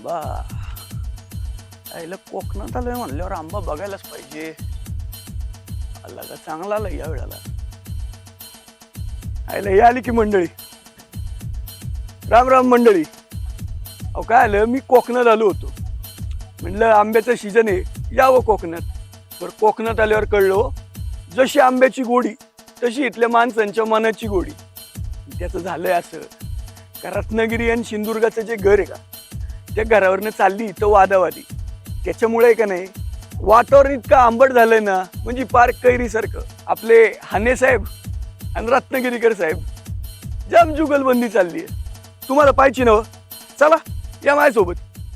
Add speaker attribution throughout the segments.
Speaker 1: आंबा आईला कोकणात आलोय म्हणल्यावर आंबा बघायलाच पाहिजे. आला का चांगला आला या वेळेला. आईला हे आली की मंडळी. राम राम मंडळी. अहो काय आलं, मी कोकणात आलो होतो. म्हणलं आंब्याचं सीजन आहे, यावं कोकणात. बरं कोकणात आल्यावर कळलो जशी आंब्याची गोडी तशी इथल्या माणसांच्या मनाची गोडी. त्याचं झालंय असं का रत्नागिरी आणि सिंधुदुर्गाचं जे घर आहे का त्या घरावरनं चालली इथं वादावादी. त्याच्यामुळे का नाही वातावरण इतकं आंबट झालंय ना, म्हणजे पार्क कैरीसारखं. आपले हाने साहेब आणि रत्नागिरीकर साहेब जाम जुगलबंदी चालली आहे. तुम्हाला पाहिजे ना, चला या माझ्यासोबत.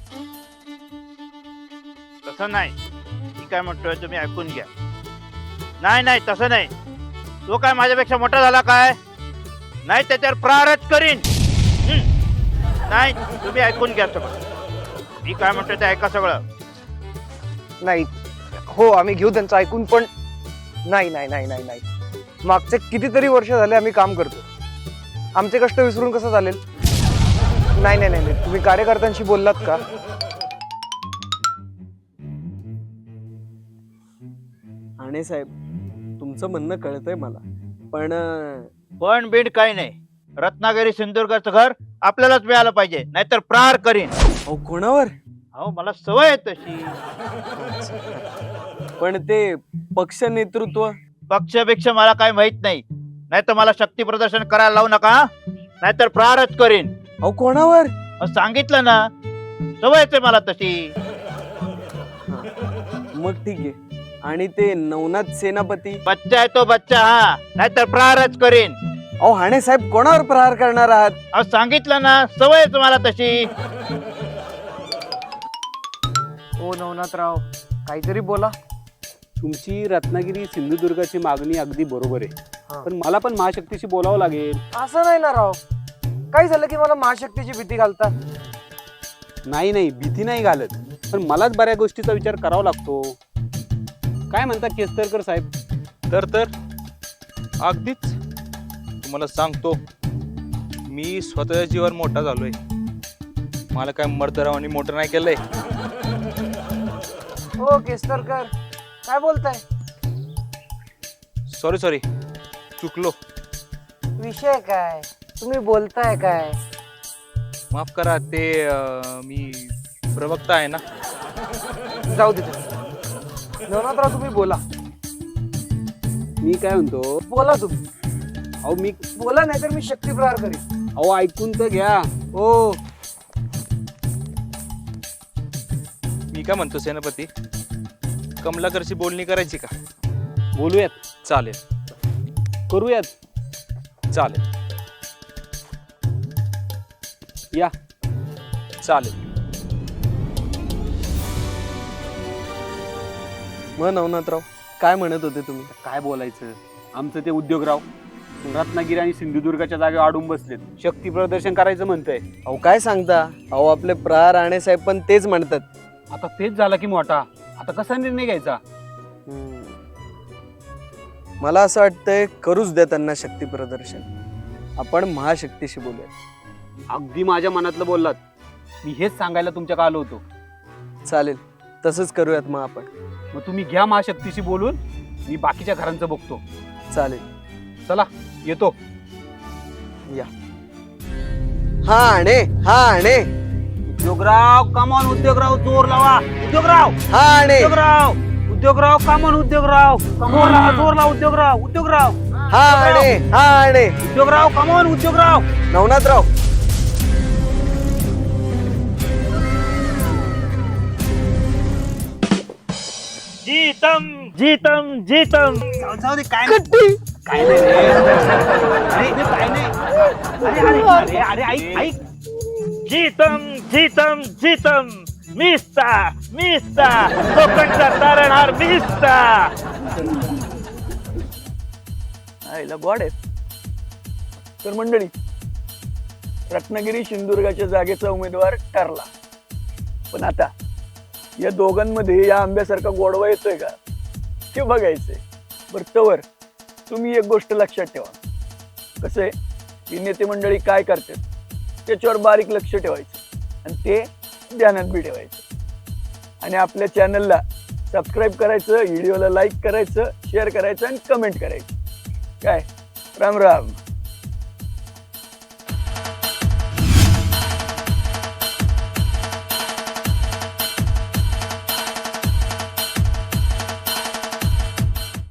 Speaker 2: तसं नाही, मी काय म्हणतोय तुम्ही ऐकून घ्या. नाही नाही तसं नाही. तो काय माझ्यापेक्षा मोठा झाला काय? नाही त्याच्यावर प्रारच करीन. नाही तुम्ही ऐकून घ्या सगळं. मी काय म्हणतोय ते ऐका सगळं.
Speaker 3: नाही हो आम्ही घेऊ त्यांचं ऐकून, पण नाही नाही नाही नाही नाही मागचे कितीतरी वर्ष झाले आम्ही काम करतो. आमचे कष्ट विसरून कसं चालेल? नाही नाही नाही नाही. तुम्ही कार्यकर्त्यांशी बोललात का?
Speaker 4: हाणे साहेब तुमचं म्हणणं कळतंय मला,
Speaker 2: पण बीड काही नाही. रत्नागिरी सिंधुदुर्गाचं घर आपल्यालाच मिळालं पाहिजे, नाहीतर प्रार करीन.
Speaker 4: अहो कोणावर?
Speaker 2: अहो मला सवय आहे तशी.
Speaker 4: पण ते पक्ष नेतृत्व.
Speaker 2: पक्षपेक्षा मला काय माहित नाही. नाहीतर मला शक्ती प्रदर्शन करायला लावू नका, नाहीतर प्रारच करीन.
Speaker 4: अहो कोणावर?
Speaker 2: सांगितलं ना, सवयच आहे मला तशी.
Speaker 4: मग ठीक आहे. आणि ते नवनाथ सेनापती?
Speaker 2: बच्चा आहे तो बच्चा, हा, नाहीतर प्रारच करीन.
Speaker 4: अहो हाणे साहेब कोणावर प्रहार करणार आहात?
Speaker 2: अहो सांगितलं ना, सवयच मला तशी.
Speaker 3: हो नवनाथराव, काहीतरी बोला.
Speaker 5: तुमची रत्नागिरी सिंधुदुर्गाची मागणी अगदी बरोबर आहे,
Speaker 3: हा.
Speaker 5: पण मला पण महाशक्तीशी बोलावं लागेल.
Speaker 3: असं नाही ना राव, काय झालं की मला महाशक्तीची भीती घालता?
Speaker 5: नाही नाही भीती नाही घालत, पण मलाच बऱ्याच गोष्टीचा विचार करावा लागतो. काय म्हणता केसरकर साहेब?
Speaker 6: तर अगदीच तुम्हाला सांगतो, मी स्वतःच्या जीवावर मोठा झालोय. मला काय मर्दरावानी मोठं नाही केलंय.
Speaker 3: हो केसरकर, काय बोलताय?
Speaker 6: सॉरी चुकलो.
Speaker 3: विषय काय? तुम्ही बोलताय काय?
Speaker 6: माफ करा, ते मी प्रवक्ता आहे ना.
Speaker 3: जाऊ दे. नवनाथराव तुम्ही बोला.
Speaker 5: मी काय म्हणतो,
Speaker 3: बोला तुम्ही.
Speaker 5: अहो मी
Speaker 3: बोला, नाही तर मी शक्ती प्रहार करीन.
Speaker 5: अहो ऐकून तर घ्या.
Speaker 3: हो
Speaker 6: मी काय म्हणतो सेनापती, कमलाकरची बोलणी करायची का?
Speaker 5: बोलूयात,
Speaker 6: चालेल
Speaker 5: करूयात.
Speaker 6: चालेल
Speaker 5: या.
Speaker 6: चालेल.
Speaker 4: मग नवनाथराव काय म्हणत होते तुम्ही?
Speaker 5: काय बोलायचं, आमचं ते उद्योगराव रत्नागिरी आणि सिंधुदुर्गाच्या जागेवर अडून बसलेत. शक्ती प्रदर्शन करायचं म्हणतंय.
Speaker 4: अहो काय सांगता? अहो आपले प्रहार हाणे साहेब पण तेच म्हणतात.
Speaker 5: आता तेच झाला की मोठा, आता कसा निर्णय घ्यायचा?
Speaker 4: मला असं वाटतंय करूच द्या त्यांना शक्ती प्रदर्शन. आपण महाशक्तीशी बोलूया.
Speaker 5: अगदी माझ्या मनातलं बोललात. मी हेच सांगायला तुमच्या आलो होतो.
Speaker 4: चालेल, तसंच करूयात मग आपण.
Speaker 5: मग तुम्ही घ्या महाशक्तीशी बोलून, मी बाकीच्या घरांचं बघतो.
Speaker 4: चालेल,
Speaker 5: चला येतो.
Speaker 4: या. हा हाणे
Speaker 5: उद्योगराव कमॉन, उद्योगराव जोर लावा. उद्योगराव
Speaker 4: हाणे
Speaker 5: उद्योगराव कमॉन, उद्योगराव जोर लावा, जोर लावा. उद्योगराव
Speaker 4: हाणे
Speaker 5: उद्योगराव कमॉन, उद्योगराव.
Speaker 4: नवनाथराव
Speaker 2: जीतम जीतम जीतम.
Speaker 5: जाऊ दे, काय नाही, काय नाही रे. अरे काय नाही. अरे अरे अरे ऐक.
Speaker 2: जीतम जीतम जीतम. मिस्ता कोकणचा तारणहार मिस्ता.
Speaker 1: आईला गॉड आहे. तर मंडळी, रत्नागिरी सिंधुदुर्गाच्या जागेचा उमेदवार ठरला. पण आता या दोघांमध्ये या आंब्यासारखा गोडवा येतोय का ते बघायचंय. बरं तवर तुम्ही एक गोष्ट लक्षात ठेवा. कसं आहे की नेते मंडळी काय करतात त्याच्यावर बारीक लक्ष ठेवायचं आणि ते ध्यानात बी ठेवायचं आणि आपल्या चॅनलला सबस्क्राईब करायचं, व्हिडिओला लाईक करायचं, शेअर करायचं आणि कमेंट करायचं. काय राम राम.